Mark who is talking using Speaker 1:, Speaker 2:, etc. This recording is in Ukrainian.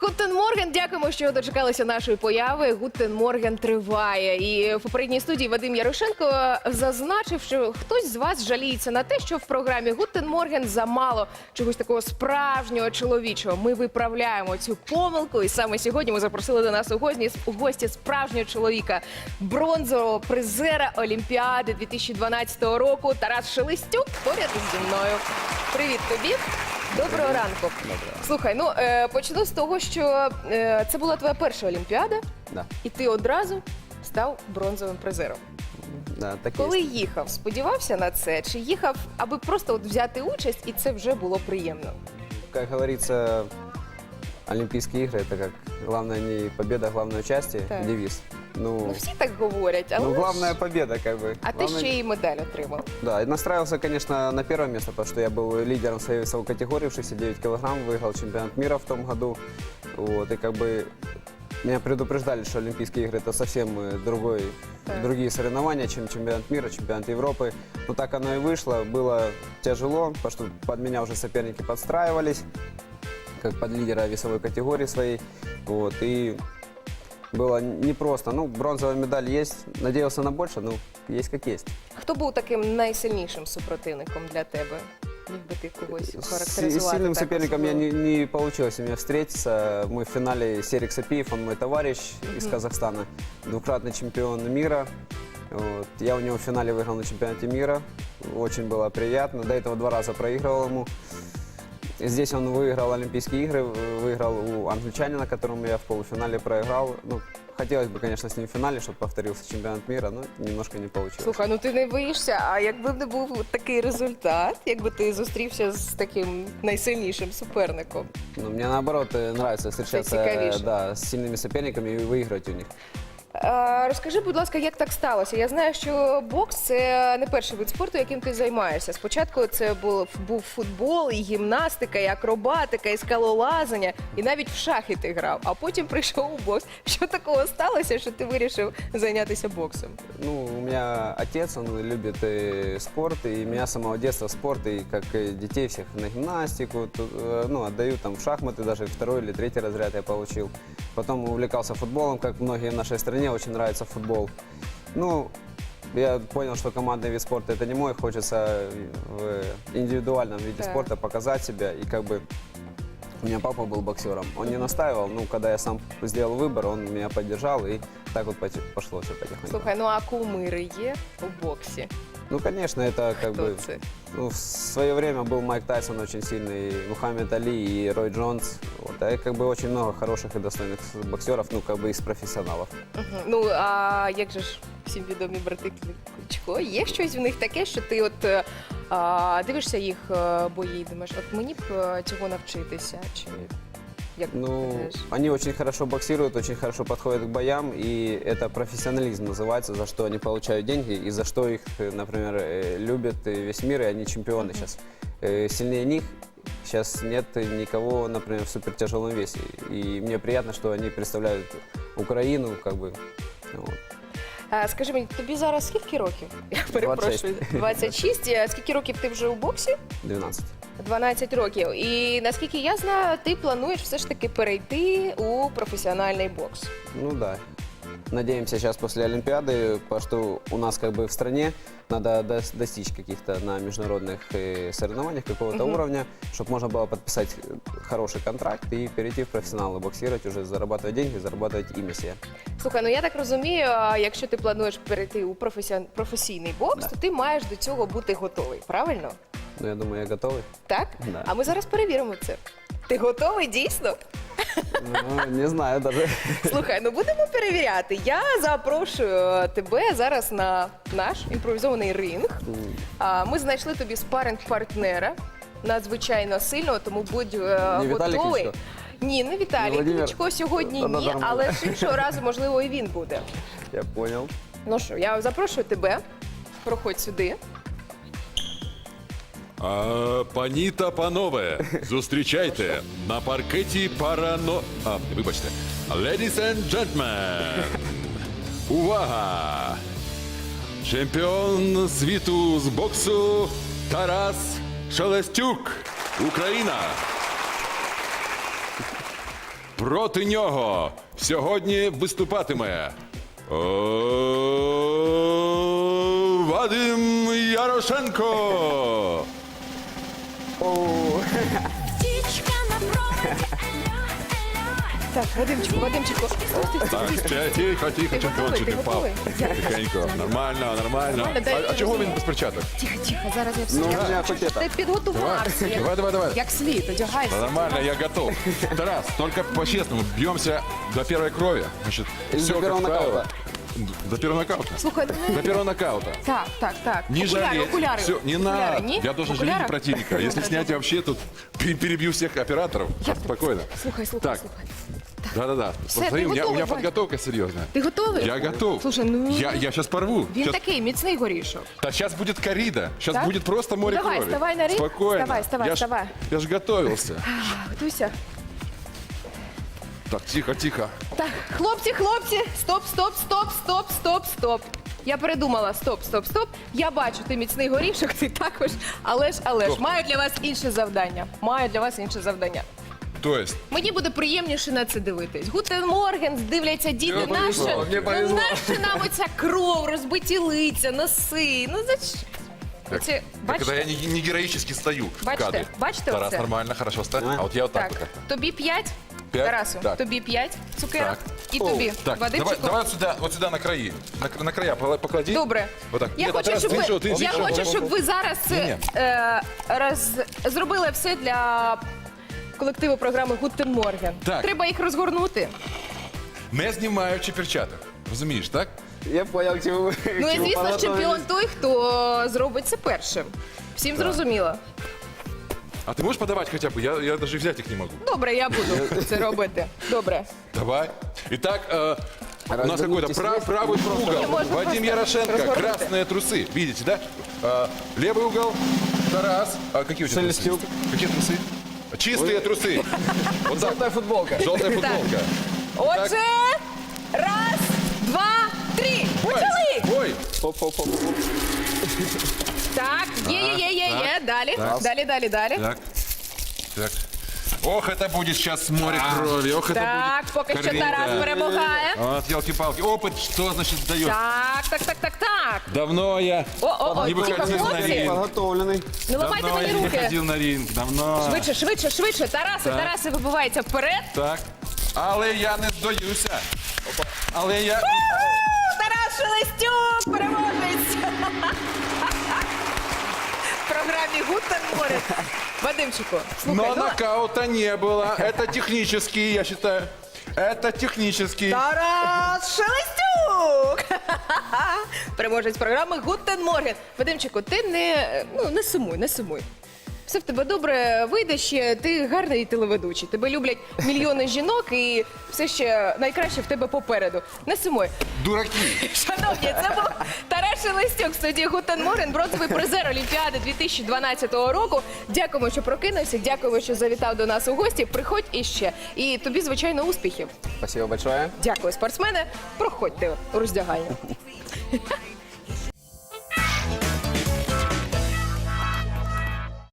Speaker 1: Гутен Морген, дякуємо, що дочекалися нашої появи. Гутен Морген триває. І в попередній студії Вадим Ярошенко зазначив, що хтось з вас жаліється на те, що в програмі Гутен Морген замало чогось такого справжнього, чоловічого. Ми виправляємо цю помилку. І саме сьогодні ми запросили до нас у гості справжнього чоловіка, бронзового призера Олімпіади 2012 року. Тарас Шелестюк поряд зі мною. Привіт тобі. Доброго ранку. Слухай, ну почну з того, що це була твоя перша Олімпіада,
Speaker 2: Да.
Speaker 1: і ти одразу став бронзовим призером.
Speaker 2: Да, так
Speaker 1: Коли
Speaker 2: є.
Speaker 1: їхав, сподівався на це? Чи їхав, аби просто от взяти участь, і це вже було приємно?
Speaker 2: Как говорится, Олимпийские игры — это как главное не победа, главное участие,
Speaker 1: Так.
Speaker 2: девиз.
Speaker 1: Ну, всі так говорять, але
Speaker 2: ну
Speaker 1: ж-
Speaker 2: главная победа, как бы.
Speaker 1: А ти
Speaker 2: Главное-
Speaker 1: ще й медаль отримав.
Speaker 2: Да, и настраивался, конечно, на первое место, потому что я был лидером своей весовой категории в 69 килограмм, выиграл чемпионат мира в том году. Вот, и как бы меня предупреждали, что Олимпийские игры — это совсем
Speaker 1: Так.
Speaker 2: другие соревнования, чем чемпионат мира, чемпионат Европы. Но так оно и вышло. Было тяжело, потому что под меня уже соперники подстраивались, как под лидера весовой категории своей. Вот, и было непросто. Ну, бронзовая медаль есть. Надеялся на больше, но есть как есть.
Speaker 1: Хто був таким найсильнішим супротивником для тебе? Міг би ти когось
Speaker 2: С
Speaker 1: характеризувати?
Speaker 2: сильным
Speaker 1: так
Speaker 2: соперником я
Speaker 1: особливо?
Speaker 2: не получилось у меня встретиться. Мы в финале Серик Сапиев, он мой товарищ из Казахстана, двукратный чемпион мира. Вот. Я у него в финале выиграл на чемпионате мира. Очень было приятно. До этого 2 раза проигрывал ему. Здесь он выиграл Олимпийские игры, выиграл у англичанина, которому я в полуфинале проиграл. Ну, хотелось бы, конечно, с ним в финале, чтобы повторился чемпионат мира, но немножко не получилось.
Speaker 1: Слухай, ну ти не боїшся, а якби б не був такий результат, якби ти зустрівся з таким найсильнішим суперником?
Speaker 2: Ну, мне наоборот нравится встречаться
Speaker 1: цікавіше.
Speaker 2: да, с сильными соперниками и выиграть у них.
Speaker 1: Розкажи, будь ласка, як так сталося? Я знаю, що бокс – це не перший вид спорту, яким ти займаєшся. Спочатку це був футбол, і гімнастика, і акробатика, і скалолазання, і навіть в шахи ти грав. А потім прийшов у бокс. Що такого сталося, що ти вирішив зайнятися боксом?
Speaker 2: Ну, у меня отец, он любит спорт, и меня с самого детства спорт, и как детей всех на гимнастику, ну, отдаю там в шахматы, даже 2-й или 3-й разряд я получил. Потом увлекался футболом, как многие в нашей стране, очень нравится футбол. Ну, я понял, что командный вид спорта это не мой, хочется в индивидуальном виде
Speaker 1: Так.
Speaker 2: спорта показать себя, и как бы у меня папа был боксером, он не настаивал, ну, когда я сам сделал выбор, он меня поддержал, и так вот пошло все потихоньку.
Speaker 1: Слухай, ну а кумири є у боксі?
Speaker 2: Ну, конечно, это как
Speaker 1: Хто
Speaker 2: бы...
Speaker 1: це?
Speaker 2: Ну, в свое время был Майк Тайсон очень сильный, и Мухаммед Али, и Рой Джонс. Вот. А как бы очень много хороших и достойных боксеров, ну, как бы из профессионалов.
Speaker 1: Ну, а як же ж всім відомі брати Кличко? Є щось в них таке, що ти от дивишся їх бої і думаєш, от мені б цього навчитися? Чи як ти
Speaker 2: Ну,
Speaker 1: гадаєш?
Speaker 2: они очень хорошо боксируют, очень хорошо подходят к боям, и это профессионализм называется, за что они получают деньги, и за что их, например, любит весь мир, и они чемпионы сейчас. Сильнее них сейчас нет никого, например, в супертяжелом весе. И мне приятно, что они представляют Украину, как бы, вот.
Speaker 1: Скажи мені, тобі зараз скільки років? Я перепрошую. 26. А скільки років ти вже у боксі?
Speaker 2: 12.
Speaker 1: 12 років. І наскільки я знаю, ти плануєш все ж таки перейти у професіональний бокс.
Speaker 2: Ну да. Надеемся сейчас после Олимпиады, потому что у нас как бы в стране надо достичь каких-то на международных соревнованиях какого-то уровня, чтобы можно было подписать хороший контракт и перейти в профессионалы, боксировать, уже зарабатывать деньги, зарабатывать имя себе.
Speaker 1: Слухай, ну я так розумію, якщо ти плануєш перейти у професійний бокс,
Speaker 2: Да.
Speaker 1: то ти маєш до цього бути готовий, правильно?
Speaker 2: Ну, я думаю, я готовый.
Speaker 1: Так?
Speaker 2: Да.
Speaker 1: А ми зараз перевіримо це. Ти готовий дійсно?
Speaker 2: Ну, не знаю даже.
Speaker 1: Слухай, ну будемо перевіряти. Я запрошую тебе зараз на наш імпровізований ринг. Ми знайшли тобі спаринг-партнера, надзвичайно сильного, тому будь
Speaker 2: Віталій
Speaker 1: готовий.
Speaker 2: Кличко?
Speaker 1: Ні, не Віталій.
Speaker 2: Не Владимир?
Speaker 1: Кличко сьогодні
Speaker 2: Та
Speaker 1: ні,
Speaker 2: нормально.
Speaker 1: але ж іншого разу, можливо, і він буде.
Speaker 2: Я понял.
Speaker 1: Ну що, я запрошую тебе. Проходь сюди.
Speaker 3: Пані та панове, зустрічайте на паркеті вибачте. Ladies and gentlemen, увага! Чемпіон світу з боксу Тарас Шелестюк, Україна. Проти нього сьогодні виступатиме Вадим Ярошенко.
Speaker 4: Птичка на проводе, алло, алло.
Speaker 1: Так, Вадимчику.
Speaker 3: Так, тихо,
Speaker 1: Ти
Speaker 3: чемпіончик
Speaker 1: готовий?
Speaker 3: не
Speaker 1: Ти
Speaker 3: впав.
Speaker 1: готовий?
Speaker 3: Тихенько, нормально.
Speaker 1: Нормально, дай
Speaker 3: А чого він
Speaker 1: розумію.
Speaker 3: без перчаток?
Speaker 1: Тихо, зараз я все.
Speaker 2: Ну, у меня хоть это.
Speaker 1: Ти підготувався.
Speaker 3: Давай.
Speaker 1: Як слід, одягайся.
Speaker 3: Нормально, я готов. Тарас, только по-честному, бьемся до первой крови. Значит,
Speaker 2: Или
Speaker 3: все
Speaker 2: до первого
Speaker 3: как правило.
Speaker 2: нокаута?
Speaker 3: До первого нокаута.
Speaker 1: Слухай, ну,
Speaker 3: До первого нокаута.
Speaker 1: так.
Speaker 3: Не жалеть.
Speaker 1: Окуляри.
Speaker 3: Все, не
Speaker 1: Окуляри,
Speaker 3: надо.
Speaker 1: ні?
Speaker 3: Я должен
Speaker 1: Окуляри?
Speaker 3: жалеть противника. Если снять вообще, тут перебью всех операторов. Спокойно.
Speaker 1: Слухай.
Speaker 3: Так. Да.
Speaker 1: Все,
Speaker 3: Посмотри,
Speaker 1: ты
Speaker 3: у меня
Speaker 1: готовый, Вань?
Speaker 3: подготовка серьезная.
Speaker 1: Ти готовий?
Speaker 3: Я готов.
Speaker 1: Слушай, ну
Speaker 3: Я сейчас порву.
Speaker 1: він
Speaker 3: Щас-
Speaker 1: такий міцний горішок.
Speaker 3: Да сейчас будет коррида. Сейчас
Speaker 1: Так?
Speaker 3: будет просто море
Speaker 1: Ну, давай,
Speaker 3: крови.
Speaker 1: вставай на ринг.
Speaker 3: Спокойно.
Speaker 1: Вставай.
Speaker 3: Я ж готовился.
Speaker 1: Готуйся.
Speaker 3: Так, тихо.
Speaker 1: Так, хлопці, стоп. Я передумала, стоп. Я бачу, ти міцний горішок, ти також. Але ж,
Speaker 3: Стоп.
Speaker 1: маю для вас інше завдання.
Speaker 3: То есть,
Speaker 1: Мені буде приємніше на це дивитись. Гутен Морген, дивляться діти,
Speaker 2: Мені повезло,
Speaker 1: наша,
Speaker 2: мені повезло.
Speaker 1: наша нам оця кров, розбиті лиця, носи. Ну зачем? Оце,
Speaker 3: когда
Speaker 1: бачите?
Speaker 3: я не героически стою в
Speaker 1: Бачите?
Speaker 3: кадре.
Speaker 1: Бачите
Speaker 3: Тарас,
Speaker 1: оце?
Speaker 3: нормально, хорошо, ставь. А вот я вот так
Speaker 1: Так,
Speaker 3: вот.
Speaker 1: тобі 5,
Speaker 3: П'ять?
Speaker 1: Тарасу,
Speaker 3: Так.
Speaker 1: тобі 5 цукерок
Speaker 3: Так.
Speaker 1: і тобі.
Speaker 3: Так,
Speaker 1: Вадимчику.
Speaker 3: давай вот сюда на краи. На края поклади.
Speaker 1: Добре.
Speaker 3: Вот так.
Speaker 1: Я
Speaker 3: Нет,
Speaker 1: хочу,
Speaker 3: Тарас,
Speaker 1: щоб
Speaker 3: ты
Speaker 1: ви,
Speaker 3: что, ты
Speaker 1: я
Speaker 3: что?
Speaker 1: хочу, щоб ви зараз
Speaker 3: Ні.
Speaker 1: зробили все для колективу програми Гутен Морген.
Speaker 3: Так.
Speaker 1: Треба їх розгорнути.
Speaker 3: Не знімаючи перчаток. Розумієш, так?
Speaker 2: Я понял, к чему вы.
Speaker 1: Ну
Speaker 2: к
Speaker 1: і
Speaker 2: чему
Speaker 1: звісно,
Speaker 2: подготовились.
Speaker 1: чемпіон той, хто зробить це першим. Всім зрозуміло.
Speaker 3: А ты можешь подавать хотя бы? Я даже взять их не могу.
Speaker 1: Добре, я буду це робити. Добре.
Speaker 3: Давай. Итак, у нас
Speaker 2: Развернитесь
Speaker 3: какой-то
Speaker 2: вместе.
Speaker 3: правый угол.
Speaker 1: Можно
Speaker 3: Вадим
Speaker 1: просто
Speaker 3: Ярошенко,
Speaker 1: развернуться.
Speaker 3: красные трусы. Видите, да? Левый угол. Тарас. А какие у тебя трусы?
Speaker 2: Шелестюк.
Speaker 3: Какие трусы? Чистые трусы. Вот так.
Speaker 2: Желтая футболка.
Speaker 3: Желтая футболка.
Speaker 1: Отже, раз, два, три.
Speaker 3: Ой,
Speaker 1: Почали!
Speaker 3: ой.
Speaker 2: Хоп.
Speaker 1: Так, є. Далі.
Speaker 3: Так.
Speaker 1: Далі.
Speaker 3: Так. Ох, это будет сейчас море крови. Ох, это
Speaker 1: Так,
Speaker 3: будет
Speaker 1: поки що
Speaker 3: коррида.
Speaker 1: Тарас перемагає.
Speaker 3: Вот, елки-палки. Опыт что значит дает?
Speaker 1: Так.
Speaker 3: Давно я
Speaker 1: О,
Speaker 3: Не
Speaker 1: тихо,
Speaker 3: выходил на
Speaker 1: хлопці.
Speaker 3: ринг.
Speaker 2: Подготовленный.
Speaker 1: Не ламайте
Speaker 3: давно я
Speaker 1: мені
Speaker 3: не
Speaker 1: руки.
Speaker 3: ходил на ринг. Давно.
Speaker 1: Швидше. Тараси вибивається вперед.
Speaker 3: Так. Але я не здаюся. Але я...
Speaker 1: Тарас Шелестюк, переможець. В програмі Гутен Морген. Вадимчику, слухай,
Speaker 3: Но
Speaker 1: ну,
Speaker 3: нокаута не было. Это технический, я считаю. Это технический.
Speaker 1: Тарас Шелестюк! Переможець програми Гутен Морген. Вадимчику, ти не сумуй. Все в тебе добре вийде ще, ти гарний телеведучий. Тебе люблять мільйони жінок і все ще найкраще в тебе попереду. Не сумуй.
Speaker 3: Дураки.
Speaker 1: Шановні, це був Тарас Шелестюк в студії Гутен Морген, бронзовий призер Олімпіади 2012 року. Дякуємо, що прокинувся, дякуємо, що завітав до нас у гості. Приходь іще. І тобі, звичайно, успіхів.
Speaker 2: Спасибо большое.
Speaker 1: Дякую, спортсмени. Проходьте у роздягальню.